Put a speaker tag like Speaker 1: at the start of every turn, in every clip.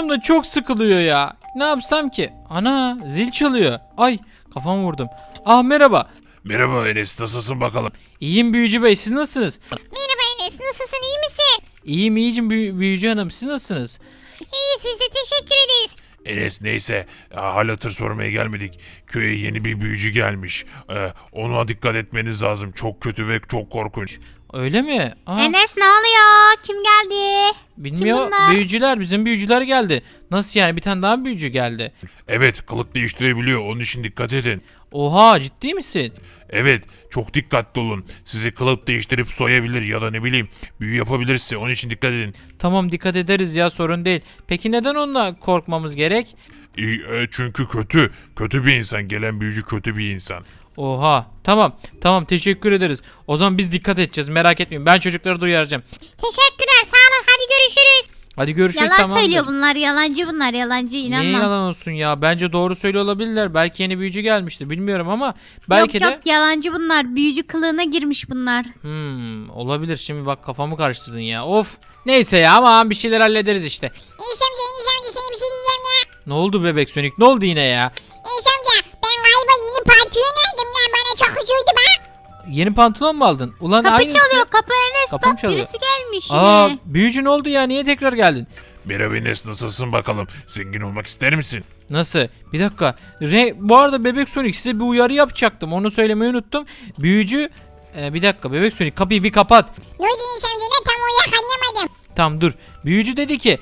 Speaker 1: canım da çok sıkılıyor ya. Ne yapsam ki? Ana zil çalıyor. Ay kafamı vurdum. Ah merhaba.
Speaker 2: Merhaba Enes, nasılsın bakalım?
Speaker 1: İyiyim büyücü bey, siz nasılsınız?
Speaker 3: Merhaba Enes, nasılsın, iyi misin?
Speaker 1: İyiyim iyicim büyücü hanım, siz nasılsınız?
Speaker 3: İyiyiz, biz de teşekkür ederiz.
Speaker 2: Enes neyse, hal hatır sormaya gelmedik. Köye yeni bir büyücü gelmiş. Ona dikkat etmeniz lazım. Çok kötü ve çok korkunç.
Speaker 1: Öyle mi? Aa,
Speaker 3: Enes ne oluyor? Kim geldi?
Speaker 1: bilmiyor.
Speaker 3: kim bunlar?
Speaker 1: Büyücüler, bizim büyücüler geldi. Nasıl yani, bir tane daha büyücü geldi?
Speaker 2: Evet, kılık değiştirebiliyor. Onun için dikkat edin.
Speaker 1: Oha, ciddi misin?
Speaker 2: Evet, çok dikkatli olun. Sizi kılık değiştirip soyabilir ya da ne bileyim büyü yapabilirse. Onun için dikkat edin.
Speaker 1: Tamam, dikkat ederiz ya, sorun değil. Peki neden onunla korkmamız gerek?
Speaker 2: Çünkü kötü. Kötü bir insan. Gelen büyücü kötü bir insan.
Speaker 1: Oha, tamam teşekkür ederiz. O zaman biz dikkat edeceğiz, merak etmeyin. Ben çocukları da uyaracağım.
Speaker 3: Teşekkürler, sağ olun, hadi görüşürüz.
Speaker 1: Hadi görüşürüz,
Speaker 3: Yalan
Speaker 1: tamamdır.
Speaker 3: söylüyor bunlar, yalancı bunlar, yalancı,
Speaker 1: Niye
Speaker 3: inanmam.
Speaker 1: yalan olsun ya? Bence doğru söylüyor olabilirler. Belki yeni büyücü gelmiştir, bilmiyorum ama belki
Speaker 3: yok,
Speaker 1: de...
Speaker 3: yok, yalancı bunlar, büyücü kılığına girmiş bunlar.
Speaker 1: Olabilir. Şimdi bak, kafamı karıştırdın ya. Of. Neyse ya, ama bir şeyler hallederiz işte.
Speaker 3: Enes amca, sana bir şey diyeceğim ya.
Speaker 1: Ne oldu bebek Sonic? Ne oldu yine ya?
Speaker 3: Enes amca, ben galiba yeni pantolon aldım ya, bana çok hoşuydu bak.
Speaker 1: Yeni pantolon mu aldın? Ulan
Speaker 3: Kapı
Speaker 1: aynısı.
Speaker 3: çalıyor, kapı Enes,
Speaker 1: Kapı mı
Speaker 3: bak
Speaker 1: çalıyor?
Speaker 3: birisi gelmiş yine.
Speaker 1: Aa, büyücü ne oldu ya? Niye tekrar geldin?
Speaker 2: Merhaba Enes, nasılsın bakalım? Zengin olmak ister misin?
Speaker 1: Nasıl? Bir dakika. Bu arada bebek Sonic, size bir uyarı yapacaktım. Onu söylemeyi unuttum. Büyücü... bir dakika bebek Sonic, kapıyı bir kapat.
Speaker 3: Ne oldu Enes amca, ne tam olarak anlamadım.
Speaker 1: Tamam dur. Büyücü dedi ki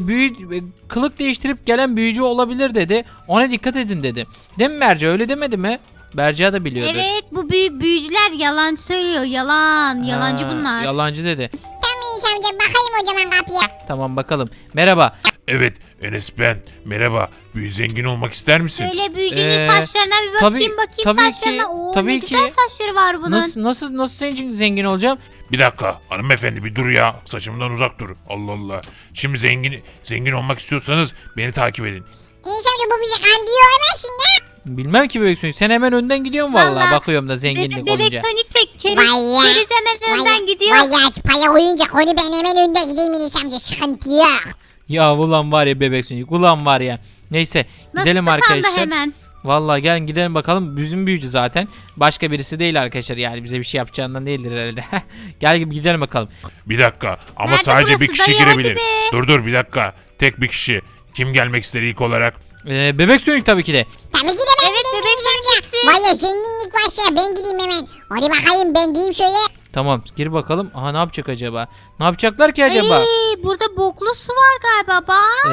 Speaker 1: kılık değiştirip gelen büyücü olabilir dedi. Ona dikkat edin dedi. Değil mi Berca, öyle demedi mi? Berca da biliyordur.
Speaker 3: Evet, bu büyücüler yalan söylüyor, yalan, yalancı
Speaker 1: Ha,
Speaker 3: bunlar.
Speaker 1: Yalancı dedi.
Speaker 3: Tamam Enes amca, bakayım o zaman kapıya.
Speaker 1: Tamam bakalım. Merhaba.
Speaker 2: Evet Enes ben. Merhaba. Zengin olmak ister misin?
Speaker 3: Şöyle büyücünün
Speaker 1: Ee,
Speaker 3: saçlarına bir bakayım,
Speaker 1: tabii
Speaker 3: saçlarına.
Speaker 1: ki,
Speaker 3: Oo,
Speaker 1: tabii
Speaker 3: ne
Speaker 1: ki.
Speaker 3: güzel saçları var bunun.
Speaker 1: Nasıl zengin olacağım?
Speaker 2: Bir dakika hanımefendi, bir dur ya. Saçımdan uzak dur. Allah Allah. Şimdi zengin olmak istiyorsanız beni takip edin.
Speaker 3: Enes amca, bu bizi kandırıyor hemensin ya.
Speaker 1: Bilmem ki bebek Sonic. Sen hemen önden gidiyorsun vallahi.
Speaker 3: Vallahi.
Speaker 1: Bakıyorum da zenginlik
Speaker 3: Bebek
Speaker 1: olunca.
Speaker 3: Sonic ve Keriz, Vay ya. Keriz hemen önden gidiyor. Vay ya, para koyunca konu ben hemen önde gideyim Enes amca, sıkıntı yok.
Speaker 1: Ya ulan var ya bebek Sonic. Ulan var ya. Neyse gidelim
Speaker 3: Nasıl tıkandı
Speaker 1: arkadaşlar.
Speaker 3: hemen.
Speaker 1: Vallahi gel gidelim bakalım. Bizim büyücü zaten. Başka birisi değil arkadaşlar. Yani bize bir şey yapacağından değildir herhalde. Gel gidelim bakalım.
Speaker 2: Bir dakika ama
Speaker 3: Nerede
Speaker 2: sadece
Speaker 3: burası
Speaker 2: bir kişi
Speaker 3: dayı? Hadi
Speaker 2: girebilir.
Speaker 3: be.
Speaker 2: Dur bir dakika. Tek bir kişi. Kim gelmek ister ilk olarak?
Speaker 1: Bebek Sonic tabii ki de.
Speaker 3: Tabii ki de ben gideyim Enes amca. Vay ya, zenginlik başlıyor, ben gideyim hemen. Hadi bakayım, ben gideyim şöyle.
Speaker 1: Tamam gir bakalım. Aha, ne yapacak acaba? Ne yapacaklar ki acaba?
Speaker 3: Ay, burada boklu su var galiba bak.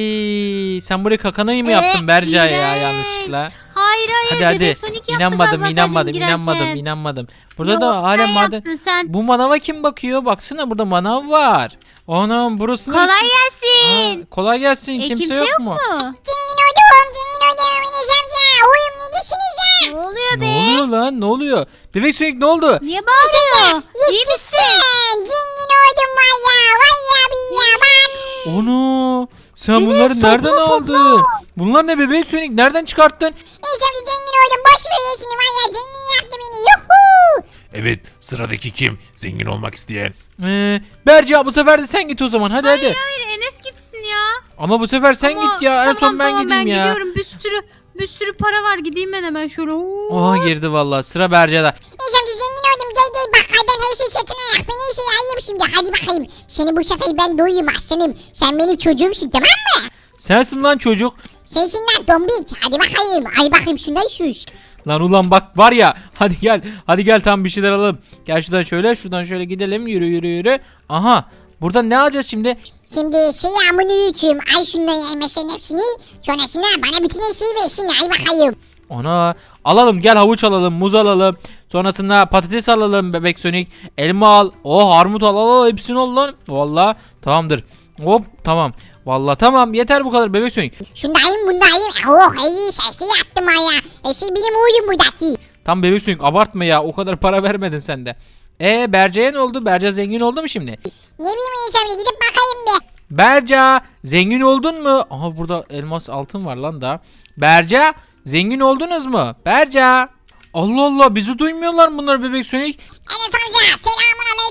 Speaker 1: Ey, sen buraya kakanayı mı yaptın Berca ya
Speaker 3: iğrenç.
Speaker 1: yanlışlıkla?
Speaker 3: Hayır
Speaker 1: Hadi
Speaker 3: Bebek Sonic yaptı
Speaker 1: inanmadım
Speaker 3: galiba demin girerken.
Speaker 1: inanmadım. Burada
Speaker 3: Yok,
Speaker 1: da hala
Speaker 3: sen
Speaker 1: maden.
Speaker 3: yaptın sen.
Speaker 1: Bu manava kim bakıyor? Baksana, burada manav var. Anam, burası neresi?
Speaker 3: Kolay gelsin.
Speaker 1: Kolay gelsin. Kimse yok mu?
Speaker 3: Zengin oldum Enes amca. Oyum ne geçiniz ya? Ne oluyor
Speaker 1: Ne oluyor lan? Ne oluyor? Bebek Sonic ne oldu?
Speaker 3: Niye bağırıyor? İyi misin? Zengin oldum vay ya bir ya bak.
Speaker 1: Onu sen
Speaker 3: Enes,
Speaker 1: bunları
Speaker 3: topla,
Speaker 1: nereden
Speaker 3: topla.
Speaker 1: aldın? Bunlar ne bebek Sonic? Nereden çıkarttın?
Speaker 3: Enes amca, zengin oldum, boş ver işini vay ya, zengin yaptı beni, yuhuu.
Speaker 2: Evet, sıradaki kim? Zengin olmak isteyen.
Speaker 1: Berca, bu sefer de sen git o zaman. Hadi.
Speaker 3: Hayır Enes gitsin ya.
Speaker 1: Ama bu sefer sen
Speaker 3: Ama
Speaker 1: git ya. En son ben
Speaker 3: tamam,
Speaker 1: gideyim ya.
Speaker 3: gidiyorum, bir sürü para var, gideyim ben hemen şöyle.
Speaker 1: Oha, girdi vallahi. Sıra Berca'da.
Speaker 3: Enes amca, zengin oldum, gel bakkaldan her şey satın ayak, ben her şeyi alayım şimdi, hadi bakayım. Seni bu sefer ben doyayım aslanım, sen benim çocuğumsun tamam mı?
Speaker 1: Sensin lan çocuk.
Speaker 3: Sensin lan dombik, hadi bakayım, ay bakayım şundan sus.
Speaker 1: Lan ulan bak var ya. Hadi gel tam bir şeyler alalım. Gel şuradan şöyle gidelim. Yürü. Aha. Buradan ne alacağız şimdi?
Speaker 3: Şimdi selamünaleyküm, ay şundan yemesen hepsini, sonrasında bana bütün her şeyi versin, ay bakayım.
Speaker 1: Ana. Alalım, gel havuç alalım, muz alalım. Sonrasında patates alalım bebek Sonic. Elma al. Armut al. Hepsini al lan. Vallahi tamamdır. Hop tamam. Vallahi tamam, yeter bu kadar bebek Sonic.
Speaker 3: Şundayım bundayım, oh iyi şey yaptım ay ya, şey benim oyun buradaki.
Speaker 1: Tam bebek Sonic, abartma ya, o kadar para vermedin sen de. Berca'ya ne oldu? Berca zengin oldu mu şimdi?
Speaker 3: Ne bileyim Enes gidip bakayım be.
Speaker 1: Berca zengin oldun mu? Aha, burada elmas altın var lan da. Berca zengin oldunuz mu? Berca. Allah Allah, bizi duymuyorlar bunlar bebek Sonic.
Speaker 3: Enes amca, selamun aleyküm.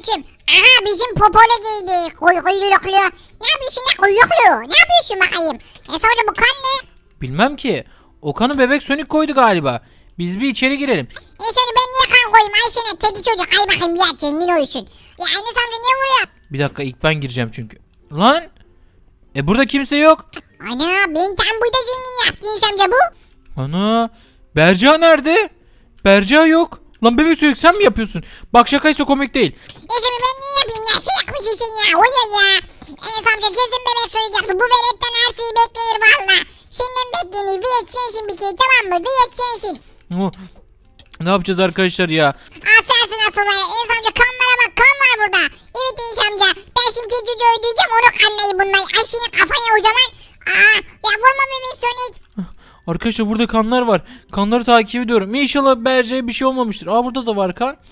Speaker 3: Aha bizim popole giydi. Kuyruklu. Ne yapıyorsun ne kuyruklu? Ne yapıyorsun bakayım? Sonra bu kan ne?
Speaker 1: Bilmem ki. O kanı bebek Sonic koydu galiba. Biz bir içeri girelim.
Speaker 3: Sonra ben niye kan koyayım Ayşe'ne kedi çocuk? Ay bakayım ya kendin oysun. Ya Enes amca niye vuruyor?
Speaker 1: Bir dakika ilk ben gireceğim çünkü. Lan! Burada kimse yok.
Speaker 3: Ana ben tam burada zengin yaptı Enes amca bu.
Speaker 1: Ana! Berca nerede? Berca yok. Lan bebek Sonic sen mi yapıyorsun? Bak şakaysa komik değil.
Speaker 3: Şimdi ben niye yapayım ya? Şey yapmışsın sen ya. O ya. Enes amca kesin bebek söyleyecekti. Bu veletten her şeyi beklenir valla. Şimdiden beklenir. Viyet sensin bir kere tamam mı? Viyet sensin.
Speaker 1: Oh, ne yapacağız arkadaşlar ya?
Speaker 3: Sensin asıl var. Enes amca kanlara bak. Kan var burada. Evet Enes amca. Ben şimdi çocuğu öldüreceğim. Onu kanlayı bunlar. Ay senin kafana o zaman. Ya vurma bebek Sonic.
Speaker 1: Arkadaşlar burada kanlar var. Kanları takip ediyorum. İnşallah Berca'ya bir şey olmamıştır. Burada da var kan.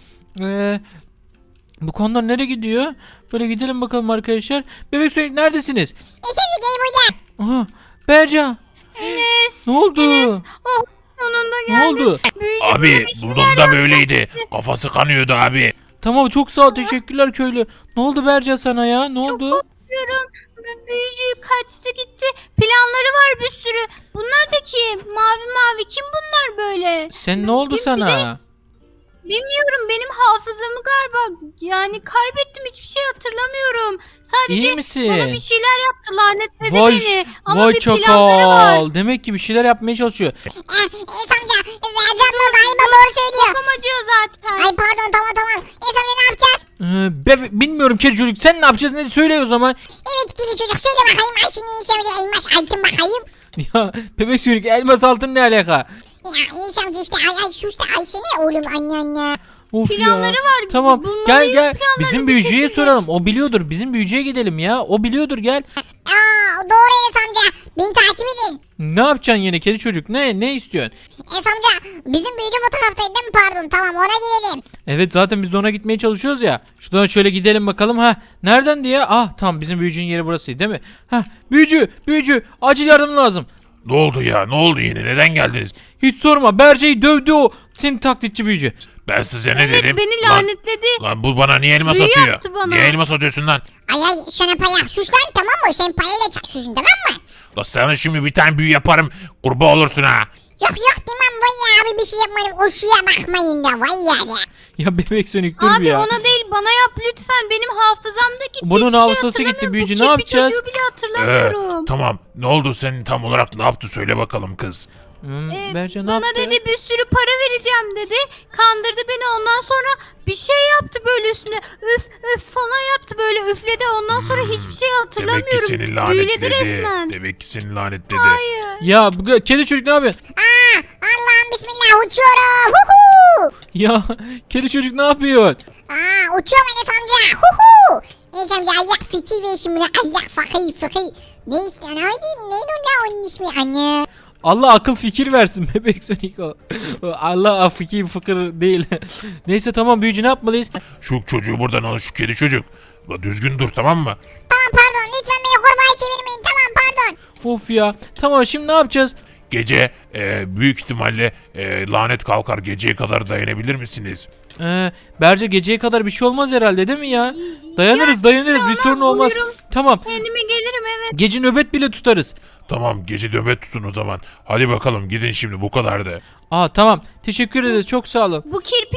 Speaker 1: Bu kanlar nereye gidiyor? Böyle gidelim bakalım arkadaşlar. Bebek Sonic neredesiniz?
Speaker 3: Enes amca gel buraya.
Speaker 1: Aha, Berca.
Speaker 4: Enes.
Speaker 1: Ne oldu?
Speaker 4: Oh, sonunda
Speaker 1: Ne
Speaker 4: geldi.
Speaker 1: oldu?
Speaker 4: Büyücü
Speaker 2: Abi
Speaker 4: böyle bir şeyler
Speaker 2: bunun da
Speaker 4: yaptı.
Speaker 2: böyleydi. Kafası kanıyordu abi.
Speaker 1: Tamam çok sağ ol teşekkürler köylü. Ne oldu Berca sana ya? Ne oldu?
Speaker 4: Korkuyorum. Büyücü kaçtı gitti. Planları var bir sürü. Bunlar da kim? Mavi mavi kim bunlar böyle?
Speaker 1: Sen ne oldu
Speaker 4: Bir de-
Speaker 1: sana?
Speaker 4: Bilmiyorum benim hafızamı galiba yani kaybettim hiçbir şey hatırlamıyorum. Sadece
Speaker 1: İyi misin?
Speaker 4: bana bir şeyler yaptı lanetledi
Speaker 1: Vay,
Speaker 4: beni. Ama
Speaker 1: vay
Speaker 4: bir planları var.
Speaker 1: çakal. Demek ki bir şeyler yapmaya çalışıyor.
Speaker 3: Enes amca. Vercan da galiba doğru söylüyor.
Speaker 4: Kafam acıyor zaten.
Speaker 3: Ay pardon tamam. Enes amca ne yapacağız?
Speaker 1: Bilmiyorum kedi çocuk sen ne yapacağız ne söyle o zaman.
Speaker 3: Evet kedi çocuk söyle bakayım. Ayşe'nin Enes amca elmas altın bakayım.
Speaker 1: Ya bebek sürük elmas altın ne alaka?
Speaker 3: Ya Enes amca işte ay sus da Ayşe ne oğlum anne.
Speaker 1: Of
Speaker 4: Planları
Speaker 1: ya.
Speaker 4: var.
Speaker 1: Tamam
Speaker 4: Bulmalıyız
Speaker 1: gel
Speaker 4: planlarını
Speaker 1: bizim
Speaker 4: bir
Speaker 1: büyücüye
Speaker 4: şekilde.
Speaker 1: soralım. O biliyordur. Bizim büyücüye gidelim ya. O biliyordur gel.
Speaker 3: Doğru Enes amca. Beni takip edin.
Speaker 1: Ne yapacaksın yine kedi çocuk? Ne istiyorsun?
Speaker 3: Enes amca bizim büyücü bu taraftaydı değil mi pardon tamam ona gidelim.
Speaker 1: Evet zaten biz de ona gitmeye çalışıyoruz ya. Şuradan şöyle gidelim bakalım. Nereden diye? Tamam bizim büyücünün yeri burasıydı değil mi? Büyücü acil yardım lazım.
Speaker 2: Ne oldu ya? Ne oldu yine? Neden geldiniz?
Speaker 1: Hiç sorma Berce'yi dövdü o. Senin taklitçi büyücü.
Speaker 2: Ben size ne
Speaker 4: Evet
Speaker 2: dedim?
Speaker 4: beni
Speaker 2: Lan,
Speaker 4: lanetledi.
Speaker 2: lan bu bana niye elmas
Speaker 4: Büyü
Speaker 2: atıyor?
Speaker 4: yaptı bana.
Speaker 2: Niye elmas atıyorsun lan?
Speaker 3: Ay sana paya sus lan tamam mı? Sen payayla çakıyorsun tamam mı?
Speaker 2: La sana şimdi bir tane büyü yaparım. Kurbağa olursun ha.
Speaker 3: Yok tamam vay ya abi bir şey yapmadım o suya bakmayın da vay ya.
Speaker 1: Ya bebek sönük dur bir
Speaker 4: Abi
Speaker 1: ya.
Speaker 4: ona değil bana yap lütfen benim hafızam da gitti.
Speaker 1: Bunun
Speaker 4: Hiçbir şey
Speaker 1: hafızası gitti,
Speaker 4: hatırlamıyorum.
Speaker 1: büyücü,
Speaker 4: Bu
Speaker 1: ne
Speaker 4: kirpi
Speaker 1: yapacağız?
Speaker 4: çocuğu bile hatırlamıyorum.
Speaker 2: Tamam. Ne oldu senin tam olarak ne yaptı söyle bakalım kız.
Speaker 1: Berce ne
Speaker 4: Bana
Speaker 1: yaptı?
Speaker 4: dedi bir sürü para vereceğim dedi. Kandırdı beni ondan sonra bir şey yaptı böyle üstüne. Üf falan yaptı böyle üfledi. Ondan sonra hiçbir şey hatırlamıyorum.
Speaker 2: Demek ki seni
Speaker 4: Büyüledi
Speaker 2: lanetledi.
Speaker 4: resmen.
Speaker 2: Demek ki seni lanetledi.
Speaker 4: Hayır.
Speaker 1: Ya kedi çocuk ne yapıyor?
Speaker 3: Allah'ım bismillah uçuyorum. Huhu.
Speaker 1: Ya kedi çocuk ne yapıyor?
Speaker 3: Uçuyorum Enes amca. Huhu. Enes amca ayak fikir ve şimdi ayak fakir. Ne işte neydi onun ismi anne.
Speaker 1: Allah akıl fikir versin bebek sönük o. Allah fikir fıkır değil. Neyse tamam büyücü ne yapmalıyız?
Speaker 2: Şu çocuğu buradan al şu kedi çocuk. La düzgün dur tamam mı?
Speaker 3: Tamam pardon lütfen beni kurbağaya çevirmeyin tamam pardon.
Speaker 1: Of ya. Tamam şimdi ne yapacağız?
Speaker 2: Gece büyük ihtimalle lanet kalkar. Geceye kadar dayanabilir misiniz?
Speaker 1: Berce geceye kadar bir şey olmaz herhalde değil mi ya? Dayanırız bir
Speaker 4: inşallah
Speaker 1: sorun olmaz.
Speaker 4: uyurum.
Speaker 1: Tamam.
Speaker 4: Kendime gelirim evet.
Speaker 1: Gece nöbet bile tutarız.
Speaker 2: Tamam gece nöbet tutun o zaman. Hadi bakalım gidin şimdi bu kadardı.
Speaker 1: Tamam. Teşekkür ederiz. Çok sağ olun.
Speaker 4: Bu kirpi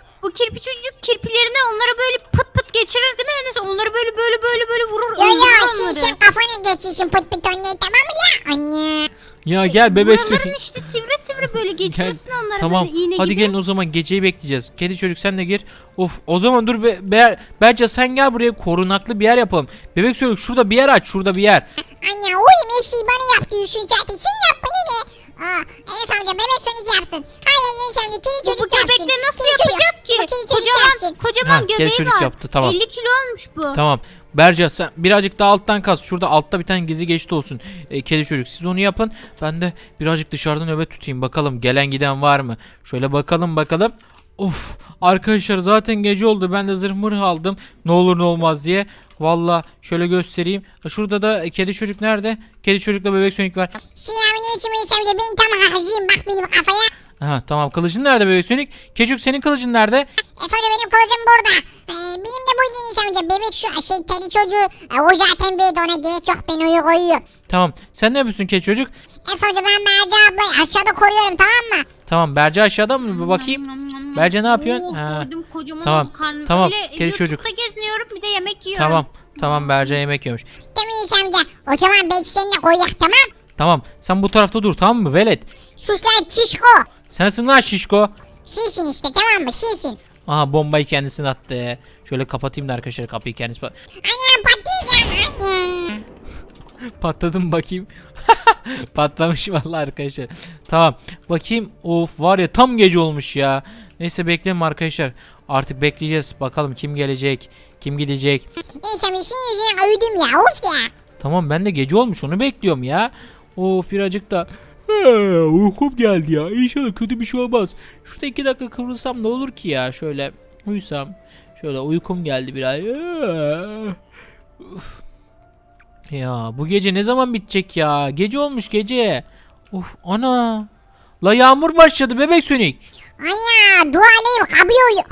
Speaker 4: çocuk kirpilerine onlara böyle pıt pıt geçirir değil mi Enes? Onları böyle vurur.
Speaker 3: Yo
Speaker 4: öldürür onları.
Speaker 3: sen kafana geçiyorsun pıt pıt anne tamam mı ya anne.
Speaker 1: Ya gel bebek
Speaker 4: Buraların
Speaker 1: sönük.
Speaker 4: işte sivri böyle geçirirsin onları
Speaker 1: Tamam.
Speaker 4: böyle iğne
Speaker 1: Hadi
Speaker 4: gibi.
Speaker 1: gelin o zaman geceyi bekleyeceğiz. Kedi çocuk sen de gir. Of o zaman dur Berce sen gel buraya korunaklı bir yer yapalım. Bebek sönük şurada bir yer aç. Şurada bir yer.
Speaker 3: Anne uy mesleği bana yaptı Yusuf zaten sen yap bana ne? Enes amca bebek sönük yapsın. Hayır Enes amca kedi
Speaker 4: Bu
Speaker 3: çocuk yapsın.
Speaker 4: köpekleri nasıl
Speaker 3: Kedi çocuk.
Speaker 4: yapacak ki?
Speaker 3: Bu kedi çocuk yapsın.
Speaker 4: Kocaman
Speaker 1: kedi
Speaker 4: göbeği
Speaker 1: çocuk
Speaker 4: var.
Speaker 1: yaptı, tamam.
Speaker 4: 50 kilo olmuş bu.
Speaker 1: Tamam. Berce sen birazcık daha alttan kaz. Şurada altta bir tane gizli geçit olsun. Kedi çocuk siz onu yapın. Ben de birazcık dışarıda nöbet tutayım. Bakalım gelen giden var mı? Şöyle bakalım. Of arkadaşlar zaten gece oldu. Ben de zırh mırh aldım. Ne olur ne olmaz diye. Valla şöyle göstereyim. Şurada da kedi çocuk nerede? Kedi çocukla bebek sönük var.
Speaker 3: Selamünaleyküm Enes amca ben tam hazırım bak benim kafaya.
Speaker 1: Tamam kılıcın nerede bebek sönük? Kedi çocuk senin kılıcın nerede?
Speaker 3: Sonra benim kılıcım burada. Benim de buydu Enes amca. Bebek şu kedi çocuğu. O zaten büyüdü, ona gerek yok, ben uyu koyuyorum.
Speaker 1: Tamam. Sen ne yapıyorsun kedi çocuk?
Speaker 3: Enes amca ben Berce ablayı aşağıda koruyorum, tamam mı?
Speaker 1: Tamam Berce aşağıda mı? Bir bakayım. Berce ne yapıyorsun?
Speaker 4: Oh,
Speaker 1: Ha.
Speaker 4: gördüm, kocaman
Speaker 1: Tamam,
Speaker 4: oldu karnım.
Speaker 1: tamam,
Speaker 4: Öyle
Speaker 1: kedi çocuk.
Speaker 4: YouTube'da geziniyorum, bir de yemek yiyorum.
Speaker 1: Tamam. Tamam Berce yemek yiyormuş.
Speaker 3: Tamam Enes amca. O zaman ben seninle koyak, tamam.
Speaker 1: Tamam. Sen bu tarafta dur tamam mı velet?
Speaker 3: Sus lan çişko.
Speaker 1: Sensin lan şişko.
Speaker 3: Şişin işte, tamam mı? Şişin.
Speaker 1: Aha bombayı kendisine attı. Şöyle kapatayım da arkadaşlar kapıyı kendisi.
Speaker 3: Annem patlayacağım anne.
Speaker 1: Patladım bakayım. Patlamış vallahi arkadaşlar. Tamam. Bakayım. Of var ya tam gece olmuş ya. Neyse bekleyelim arkadaşlar. Artık bekleyeceğiz. Bakalım kim gelecek. Kim gidecek.
Speaker 3: Enes amca senin yüzünden uyudum ya, of ya.
Speaker 1: Tamam ben de gece olmuş onu bekliyorum ya. Of birazcık da. Uykum geldi ya. İnşallah kötü bir şey olmaz. Şurada 2 dakika kıvrılsam ne olur ki ya. Şöyle uyusam. Şöyle uykum geldi biraz. Uf. Ya bu gece ne zaman bitecek ya? Gece olmuş gece. Uf ana. La yağmur başladı bebek Sonic.
Speaker 3: Ana dualayım kabıyor.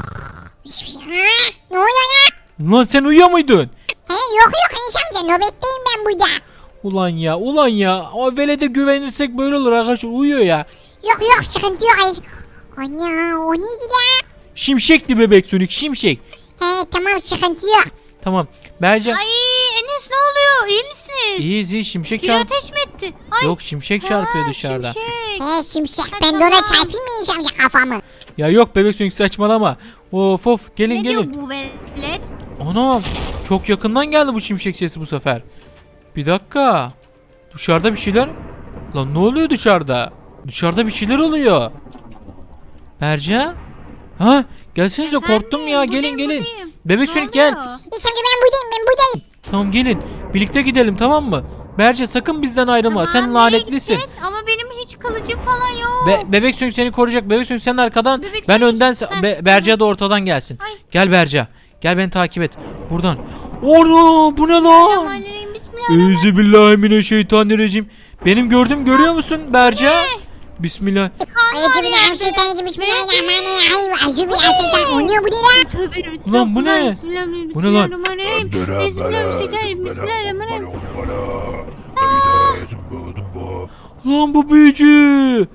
Speaker 3: Ne oluyor ya?
Speaker 1: Lan sen uyuyor muydun?
Speaker 3: Yok Enes amca, nöbetteyim ben burada.
Speaker 1: Ulan ya. O velede güvenirsek böyle olur arkadaşlar uyuyor ya.
Speaker 3: Yok sıkıntı yok Enes. Ana o neydi la?
Speaker 1: Şimşekti bebek Sonic şimşek.
Speaker 3: Tamam sıkıntı yok.
Speaker 1: Tamam. Berce.
Speaker 4: Ay Enes ne oluyor? İyi misiniz?
Speaker 1: İyi şimşek
Speaker 4: Bir
Speaker 1: çarp.
Speaker 4: ateş mi etti? Ay.
Speaker 1: Yok şimşek çarpıyor dışarıda.
Speaker 4: Şimşek.
Speaker 3: Şimşek,
Speaker 4: Ha,
Speaker 3: ben de ona
Speaker 4: tamam.
Speaker 3: çarpayım mı Enes amca kafamı?
Speaker 1: Ya yok bebek Sonic saçmalama. Of gelin
Speaker 4: Ne
Speaker 1: gelin.
Speaker 4: diyor bu velet?
Speaker 1: Anam çok yakından geldi bu şimşek sesi bu sefer. Bir dakika. Dışarıda bir şeyler. Lan ne oluyor dışarıda? Dışarıda bir şeyler oluyor. Berce? Ha gelsenize korktum ya gelin gelin.
Speaker 4: Buradayım.
Speaker 1: Bebek
Speaker 4: Ne
Speaker 1: Sonic gel.
Speaker 4: oluyor?
Speaker 3: Enes amca ben buradayım.
Speaker 1: Tamam gelin. Birlikte gidelim tamam mı? Berce sakın bizden ayrılma. Sen
Speaker 4: Tamam,
Speaker 1: lanetlisin.
Speaker 4: nereye gideceğiz? Ama benim hiç kılıcım falan yok.
Speaker 1: Bebek Sonic seni koruyacak. Bebek Sonic sen arkadan.
Speaker 4: Bebek
Speaker 1: Ben
Speaker 4: Sonic-
Speaker 1: önden.
Speaker 4: Heh,
Speaker 1: Berce de ortadan gelsin.
Speaker 4: Ay.
Speaker 1: Gel Berce. Gel beni takip et. Buradan. Ono bu ne lan?
Speaker 4: Bismillahirrahmanirrahim, bismillahirrahmanirrahim.
Speaker 1: Euzubillahimineşşeytanirracim. Benim gördüm görüyor musun Berce? Bismillah.
Speaker 3: Euzubillahimineşşeytanirracim, bismillahirrahmanirrahim. Euzubillahimineşşeytanirracim. O ne bu ne la?
Speaker 4: Tövbe
Speaker 1: Ulan bu ne?
Speaker 4: Bismillahirrahmanirrahim.
Speaker 1: Bu ne lan?
Speaker 4: Bismillahirrahmanirrahim. Bismillahirrahmanirrahim. Bismillahirrahmanirrahim.
Speaker 1: Lan bu büyücü.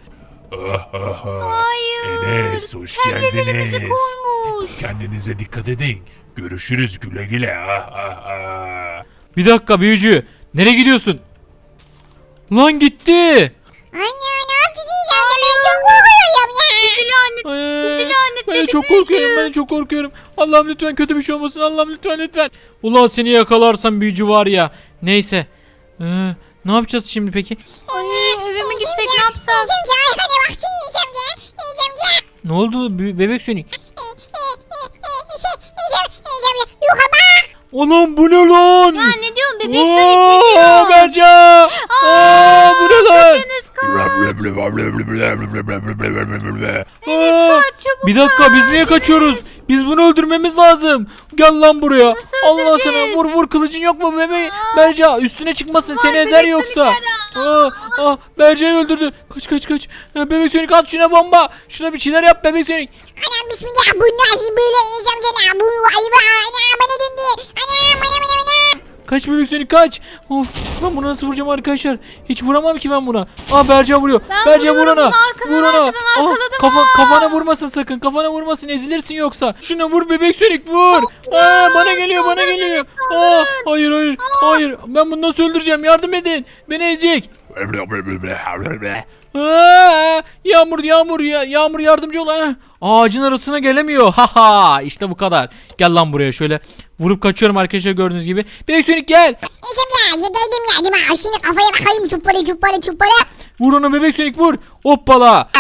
Speaker 4: Hayır.
Speaker 2: Enes hoş
Speaker 4: Kendilerimizi
Speaker 2: geldiniz.
Speaker 4: koymuş.
Speaker 2: Kendinize dikkat edin. Görüşürüz güle güle.
Speaker 1: Bir dakika büyücü. Nereye gidiyorsun? Lan gitti.
Speaker 3: Anne ne yapacağız Enes amca, ben çok korkuyorum ya.
Speaker 4: Bizi lanet.
Speaker 1: Ee,
Speaker 4: lanetledi
Speaker 1: ben çok
Speaker 4: büyücü.
Speaker 1: korkuyorum. Ben çok korkuyorum. Allah'ım lütfen kötü bir şey olmasın. Allah'ım lütfen. Ulan seni yakalarsam büyücü var ya. Neyse. Ne yapacağız şimdi peki?
Speaker 4: Anne, eve mi gitsek, ne yapsak?
Speaker 3: Enes amca arkana baksana Enes amca. Enes amca.
Speaker 1: Ne oldu bebek Sonic?
Speaker 3: Yuka bak.
Speaker 1: Oğlum bu ne lan?
Speaker 4: Ya ne diyorsun bebek Sonic, ne diyor?
Speaker 1: Berce. Bu ne lan?
Speaker 4: Enes kaç. Çabuk
Speaker 1: Bir dakika biz niye kaçıyoruz? Biz bunu öldürmemiz lazım. Gel lan buraya.
Speaker 4: Nasıl
Speaker 1: Allah sana
Speaker 4: öldüreceğiz?
Speaker 1: vur kılıcın yok mu bebe? Berce üstüne çıkmasın seni
Speaker 4: bebek
Speaker 1: ezer yoksa. Berce'yi öldürdü. Kaç. Bebek Sonic at şuna bomba. Şuna bir şeyler yap bebek Sonic.
Speaker 3: Anam bismillah, bu nasıl böyle Enes amca la? Bu ayıp, anam bana döndü. Anam.
Speaker 1: Kaç bebek Sonic kaç. Of ben bunu nasıl vuracağım arkadaşlar? Hiç vuramam ki ben buna. Berce vuruyor.
Speaker 4: Ben
Speaker 1: Berce vur
Speaker 4: vuruyorum
Speaker 1: ona.
Speaker 4: bunu, arkadan arkaladım.
Speaker 1: Kafana vurmasın sakın. Kafana vurmasın ezilirsin yoksa. Şuna vur bebek Sonic vur. Bana geliyor. Hayır. Ben bunu nasıl öldüreceğim? Yardım edin. Beni ezecek. Yağmur yardımcı ol. Ağacın arasına gelemiyor. Haha işte bu kadar. Gel lan buraya şöyle. Vurup kaçıyorum arkadaşlar gördüğünüz gibi. Bebek Sonic gel.
Speaker 3: Enes amca yedeydim ya. Değil mi? Şimdi kafaya bakayım, çuppara.
Speaker 1: Vur onu bebek Sonic vur. Hoppala.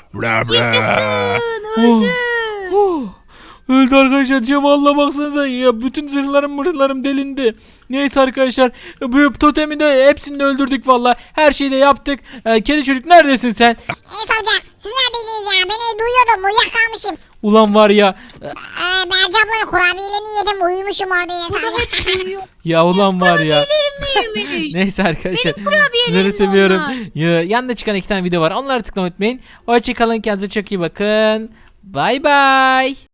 Speaker 4: Öldü.
Speaker 1: Öldü arkadaşlar. Valla baksanıza ya bütün zırhlarım delindi. Neyse arkadaşlar bu totemi de hepsini de öldürdük valla. Her şeyi de yaptık. Kedi çocuk neredesin sen?
Speaker 3: Enes amca siz neredeydiniz ya? Ben duyuyordum, uyuyakalmışım.
Speaker 1: Ulan var ya.
Speaker 3: Berce ablanın kurabiyelerini yedim, uyumuşum orada Enes amca.
Speaker 1: Ya ulan var ya.
Speaker 4: Yememiş.
Speaker 1: Neyse arkadaşlar.
Speaker 4: kurabiyelerim
Speaker 1: Sizleri
Speaker 4: de
Speaker 1: seviyorum.
Speaker 4: onlar.
Speaker 1: Yanında çıkan 2 tane video var. Onları tıklamayı unutmayın. Hoşçakalın. Kendinize çok iyi bakın. Bay bay.